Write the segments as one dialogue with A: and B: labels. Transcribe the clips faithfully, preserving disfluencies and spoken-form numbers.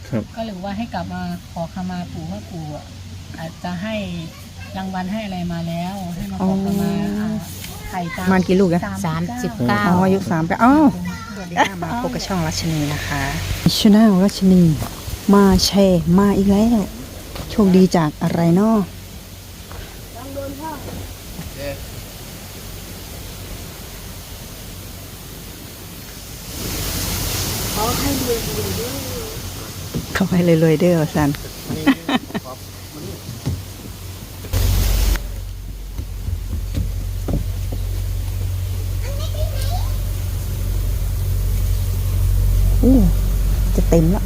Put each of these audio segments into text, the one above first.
A: ก็เลยว่าให้กลับมาขอขมาปู่ว่าปู่อาจจะให้รางวัลให้อะไรมาแล้วให้มาขอขมาไข่ตาม
B: มันกี่ลูกนะ
C: สามสิบเก้า
B: อ๋ออายุสามไปอ้าวสวัสดีค่ะมาพบกับช่องรัชนีนะคะชาแนลรัชนีมาแชร์มาอีกแล้วโชคดีจากอะไรเนาะเขาให้รวยๆเด้อสันอู้จะเต็มแล้ว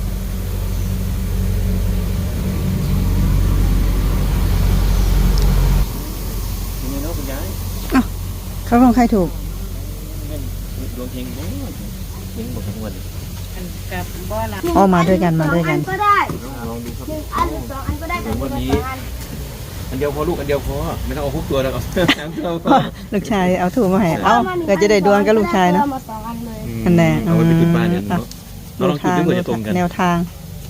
B: เขาของใครถูก
D: ดวงเฮงบ่เฮงหมดทั้งวัน
C: กับบ่ละ
B: อ๋อมาด้วยกันมาด้วยกัน
D: ก็ได้ลองดูครับอันสองอันก็ได้วันนี้อันเดียวพอลูกอันเดียวพอไม่ต้องเอาทุกตัวแล้วเอาสามตัวพอ
B: ลูกชายเอาถูกมาให้เอาก็จะได้ดวลกับลูกชายเนาะอันแน่
D: เอาไปจุดบ้านเนี่ยเราลองจุดด้วยกันจะตรงกัน
B: แนวทาง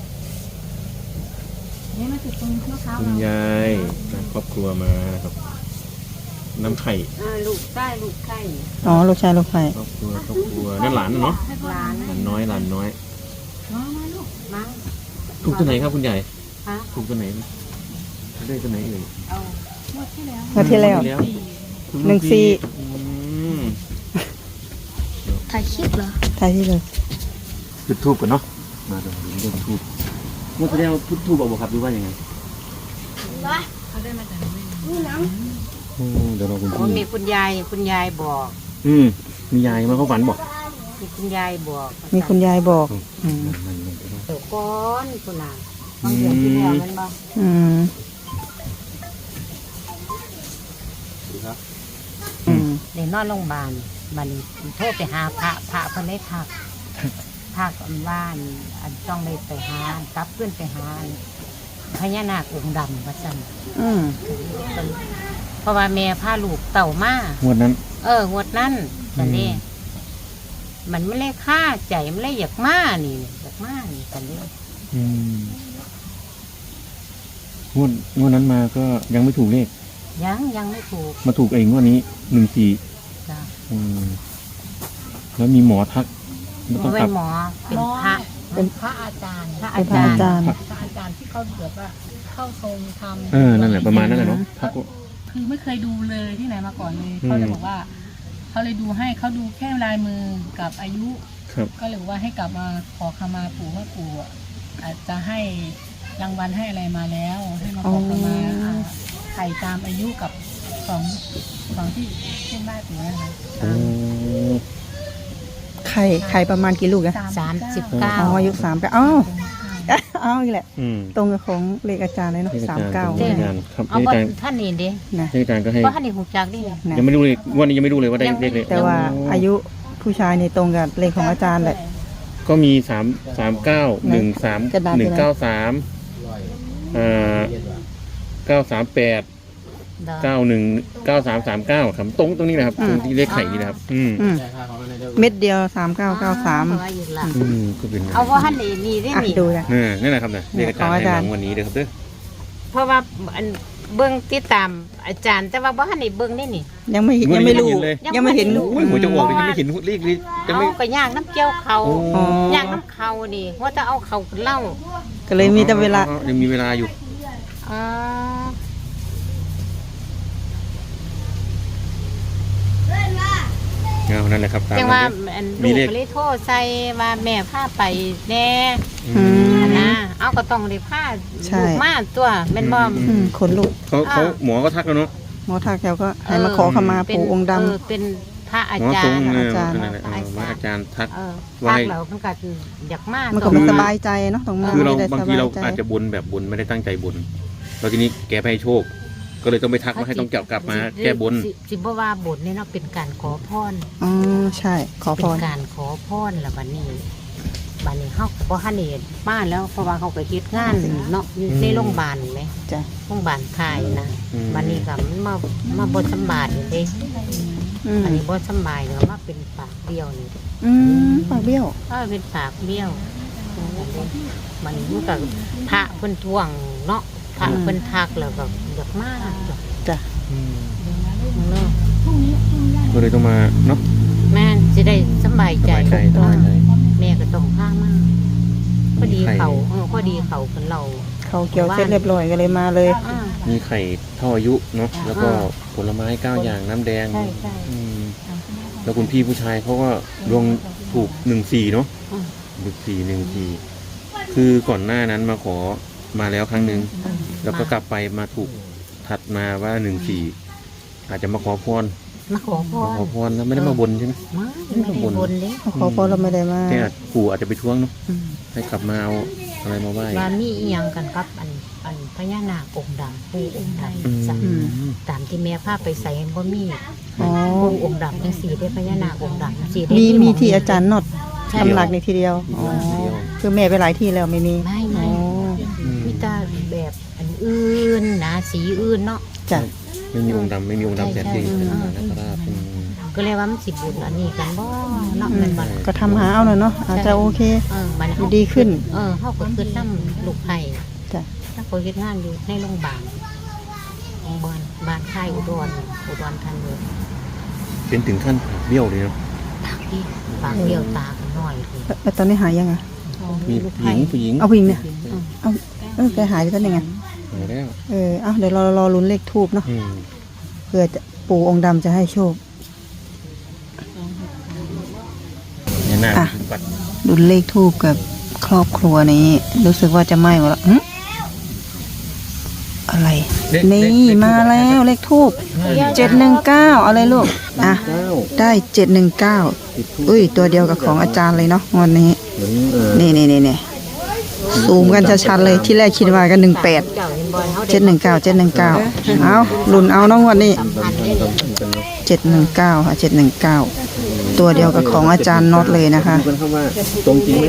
D: คุณยายครอบครัวมาครับน้ำไข่
C: ลูกใต้ลูกไข่
B: อ๋อลูกชายลูกไข่
D: ครอบครัวครอบครัวนั่นหลานเนาะ
C: หลาน
D: หลานน้อยหลานน้อย
C: มามาลูกมา
D: ถูกตัวไหนครับคุณยาย
C: ฮะ
D: ถูกตัวไหนได้ตัวไหนเอ่ย
C: เอาหมดที่แล้ว
B: หมดที่แล้วหนึ่งสี่
C: ถ่ายคลิปเหรอ
B: ถ่ายที่เลย
D: จุดทูบกันเนาะมาดูเรื่องทูบเมื่อแสดงว่าพุทธทูบบอกครับดูว่ายังไง
C: เขาได้มาจากไหนนี่น้
D: ำเดี๋ยวเราคุณพี่
C: มีคุณยายคุณยายบอก
D: อืมมียายมาเขาฝันบอก
C: มีคุณยายบอก
B: มีคุณยายบอกอืม
C: เดี๋ยวก้อนคุณนางบางเดือนที่แล้วมันบอก
B: อืม
C: อืมเดี๋ยวนอนโรงพยาบาลมันโทรไปหาพระพระเพิ่นได้ทักทักบ้านอันต้องเลยไปหากลับขึ้นไปหาพญานาคองค์ดำว่าซั่น
B: อืม
C: เพราะว่าแม่พาลูกเต่ามาง
D: วดนั้น
C: เอองวดนั้นแต่นี่มันไม่เลยค่าใจมันเลยอยากมานี่อยากมานี่แต่นี่
D: อืมงวดงวดนั้นมาก็ยังไม่ถูกเลข
C: ยังยังไม่ถูก
D: มาถูกเองงวดนี้หนึ่งสี่
C: จ้ะ
D: อืมแล้วมีหมอทัก
C: ไม่ต้องเป็นหมอเป็นพระเป็นพระอาจารย์พระอาจารย์พระอาจารย์ที่เขาเกิดว่าเข้าทรงทำ
D: เออนั่นแหละประมาณนั้นแหละเนาะ
A: คือไม่เคยดูเลยที่ไหนมาก่อนเลยเขาเลยบอกว่าเขาเลยดูให้เขาดูแค่ลายมือกับอายุก็เลยว่าให้กลับมาขอขมาปู่ว่าปู่อาจจะให้รางวัลให้อะไรมาแล้วให้มาขอขมาไข่ตามอายุกับของของที่เช่นได้ปู่นะคะ
B: ไข่ไข่ประมาณกี่ลูกอะ
C: สามสิบเก้า
B: อ๋ออายุสามไปอ้าวอ้าวอีกแหละตรงกับของเลขอาจารย์เลยเนาะสามเก้า
C: เอาบทท่านนี่ดิ
D: นะอาจารย์ก็ให้
C: เพราะท่านนี่หูจักดิ
D: ยังไม่รู้เลยวันนี้ยังไม่รู้เลยว่าได้เลขเลย
B: แต่ว่าอายุผู้ชายนี่ตรงกับเลขของอาจารย์แหละ
D: ก็มีสามสามเก้าหนึ่งสามหนึ่งเก้าสามอ่าเก้าสามแปดเก้าหนึ่งเก้าสามสามเก้าครับตรงตรงนี้นะครับตรงที่เลขไข่นี่นะครับอืม
B: เม็ดเดียวสามเก้าเก้าสาม
D: อืมก็เป็น
C: เอาว่าท่านนี่นี่ได้นี่
B: ดูนะ
D: นี่นแหละครับเนี่ยเลขอาจารย์ให้วันนี้เด้อครับเด้อ
C: เพราะว่าเบิ้งติดตามอาจารย์แต่ว่าว่าท่านนี่เบิ้งได้นี่
B: ยังไม่ยังไม่รู้ยังไม่เห็น
D: หัวจะออกเลยยังไม่เห็นเลขเลย
C: จะไม่ก็ย่างน้ำเจียวเขาย่างน้ำเขาดิว่าจะเอาเขาเล่า
B: ก็เลยมีแต่เวลา
D: ยังมีเวลาอยู่
C: อ๋อ
D: นั่นแหละครับ
C: จังว่าลูกเลยโทษใส่ว่าแม่พาไปแน่นะเอาก็ต้องได้พาลูกมาตัวแม่นบ่
B: ขนลูก
D: เขาเขาหมอก็ทักแล้วเนาะ
B: หมอทักแล้วก็ให้มาขอขมาปู่องค์ดำ
C: เป็นพระอาจารย์
D: อาจารย์อาจารย์ทัก
C: ว่าเราเพิ่นก็อยากมา
B: มันก็สบายใจเนาะตรงนั้น
D: คือเราบางทีเราอาจจะบุญแบบบุญไม่ได้ตั้งใจบุญแล้วทีนี้แกให้โชคก็เลยต้องไปทักมาให้ต้องเกี่ยวกลับมาแก้บน
C: สิบ่ว่าบนนี่เนาะเป็นการขอพร
B: อ๋อใช่ขอพร
C: เป็นการขอพรแล้วบัดนี้บัดนี้เฮาบ่ทันได้มาแล้วเพราะว่าเขาก็เฮ็ดงานเนาะอยู่ในโรงพยาบาลแม่
B: จ้ะ
C: โรงพยาบาลค่ายนะบัดนี้ก็มันมามาบ่สบายเด้อันนี้บ่สบายก็มาเป็นปากเบี้ยวนี่
B: อืมปากเบี้ยว
C: เออเป็นปากเบี้ยวมันมันก็พระเพิ่นท่วงเนาะพระเพิ่นทักแล้วก็อยากมากจ้ะ
B: จ้ะ
D: อืม
C: เนาะ
D: ก็เลยต้องมาเนาะ
C: แม่นสิได้สบาย
D: ส
C: ใจ
D: บายใจสบายใจ
C: แม่ก็ต้องพามากพอดีเขาเออพอดีเขาเพิ่นเรา
B: เขาเกี่ยวเสร็จเรียบร้อยก็เลยมาเลย
C: อ่า
D: มีไข่เท่าอายุเนาะแล้วก็ผลไม้เก้าอย่างน้ำแดง
C: ใช่ใช่
D: อืมแล้วคุณพี่ผู้ชายเขาก็ดวงถูกหนึ่งสี่เนาะ
C: อืม
D: หนึ่งสี่หนึ่งสี่คือก่อนหน้านั้นมาขอมาแล้วครั้งหนึ่งแล้วก็กลับไปมาถูกถัดมาว่าหนึ่งสี่อาจจะมาขอพร
C: มาขอพ
D: มาร ขอพรแล้วไม่ได้มาบนใช่ไหม
C: มาไม่ได้บนเลย
B: ขอพอเราไม่ได้มา
D: แค่ปู่อาจจะไปท้วงเนาะ
B: อืม
D: ให้กลับมาเอาอะไรมาไหว้
C: ว่ามีอีหยังกันกับอันอันพญานาคองค์ดำปู่องค์ด
D: อืม
C: ำจ้ะ
B: อืม
C: ตามที่แม่พาไปใส่กันบ่มี
B: อ๋อ
C: ปู่องค์ดำจังสี่ได้พญานาคองค์ดำจังสี่ได้
B: มีมี
C: ห
B: ที่อาจารย์นอด
C: ใช่
B: ทำหลักในทีเดียวอ๋อคือแม่ไปหลายที่แล้วไม่มี
C: ไม่
B: อ๋
C: ไม่
B: อ
D: อืม
C: มีแต่แบบอันอื่นนะสีอื่นเนาะ
B: จ้ะ
D: ไม่มีองค์ดำไม่มีองค์ดำแสนดี
C: ใช่
D: เป็น
C: ใช่
D: มหานาคราชอืม
C: ก็เลยว่ามันสิบุญอันนี้กันบ่เนาะ
B: อื
C: แม่
B: ม
C: นบ่
B: ก็ทำหาเอาหน่อยเนาะอาจจะโอเค
C: เออมัน
B: อยู่ดีขึ้น
C: เออเฮาก็คือนํลูกไผ่
B: จ้ะ
C: ถ้าคนเฮ็ดงานอยู่ในโรงพยาบาลโรงพยาบาลบ้านค่ายอุดรอุดรธานี
D: เป็นถึงขั้นปากเบี้ยวเลยเนาะ
C: ปากที่ปากเดียวตากันน้อยเลย
B: แล้วแล้วตอนนี้หายยังไง
D: มี
C: ลูก
D: ผู้ห
C: ไผ่
D: ญิงผู้หญิง
B: เอาผู้หญิงเนี่ย
C: อืม
B: เอาเออแกหายไปตอนยังไง
D: หายแล้ว
B: เออเอาเดี๋ยวเรารอลุ้นเลขทูบเนาะ
D: อืม
B: เพื่อจะปู่องค์ดำจะให้โชค
D: เนี่ยหน้า
B: อ่ะ
D: ปัด
B: ลุ้นเลขทูบกับครอบครัวนี้ รู้สึกว่าจะไหม้หมดแล้วหึอะไร นี่มาแล้วเลขทูบเจ็ดหนึ่งเก้าเอาเลยลูกอ่ะ
D: เก้า
B: ได้เจ็ดหนึ่งเก้า
D: ติดทูป
B: อุ้ยตัวเดียวกับของอาจารย์เลยเนาะงวันนี้
D: เหมือนเออ
B: นี่นี่นี่นี่ซูมกันชัดๆเลยที่แรกคิดว่ากันหนึ่งแปด
C: เจ้าเห็นบ่เฮา
B: เจ็ดหนึ่งเก้าเจ็ดหนึ่งเก้าเอาลุ้นเอาน้องวันนี้
C: สัมพันธ์ได้เลย
D: กันเนาะ
B: เจ็ดหนึ่งเก้าค่ะเจ็ดหนึ่งเก้าตัวเดียวกับของอาจารย์น็อตเลยนะคะ
D: ดูกันเข้าว่าตรงจริงไหม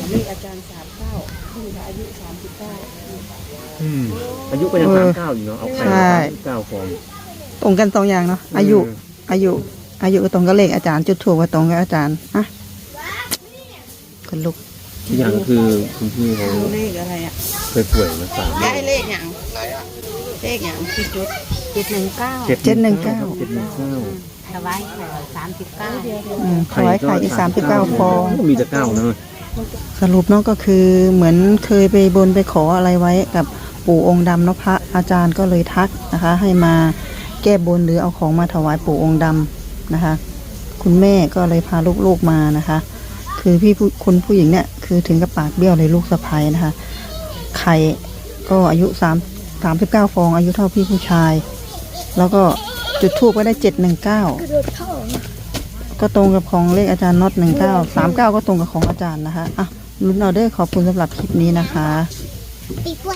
D: อืมอายุก็ยัง
B: เอ
D: สาม
B: อ
D: เก้าอยู่เนาะเอาไข่
B: ใช่
D: สามเก้าฟอง
B: ตรงกันสองอย่างเนาะอายุ อายุ อายุก็ตรงกับเลขอาจารย์จุดถูกก็ตรงกับอาจารย์อ่ะคนลุก
D: ที่อย่างก็คือคุณพี่เขา
B: เลขอะไรอ่ะ
D: เคยป่วยมาสาม
B: ได้เลขอย่างเลขอย่างที่จุด
C: เจ็ดหนึ่งเก้า
B: เจ็ดหนึ่งเก้า
D: เจ็ดหนึ่งเก้า
C: ถวายไข่สามสิบเก้า
B: อืมถวายไข่อีกสามสิบเก้าฟอง
D: มีแต่เก้าเนอะ
B: สรุปเนาะก็คือเหมือนเคยไปบนไปขออะไรไว้กับปู่องค์ดำเนาะพระอาจารย์ก็เลยทักนะคะ ให้มาแก้บนหรือเอาของมาถวายปู่องค์ดำนะคะ คุณแม่ก็เลยพาลูกๆมานะคะ คือพี่ผู้คุณผู้หญิงเนี่ยคือถึงกับปากเบี้ยวเลยลูกสะใภ้นะคะไข่ก็อายุสามสามสิบเก้าฟอง อายุเท่าพี่ผู้ชาย แล้วก็จุดทูบก็ได้เจ็ดหนึ่งเก้าก็ตรงกับของเลขอาจารย์น็อตหนึ่งเก้าสามเก้าก็ตรงกับของอาจารย์นะคะอ่ะลุ้นออเดอร์ขอบคุณสำหรับคลิปนี้นะคะ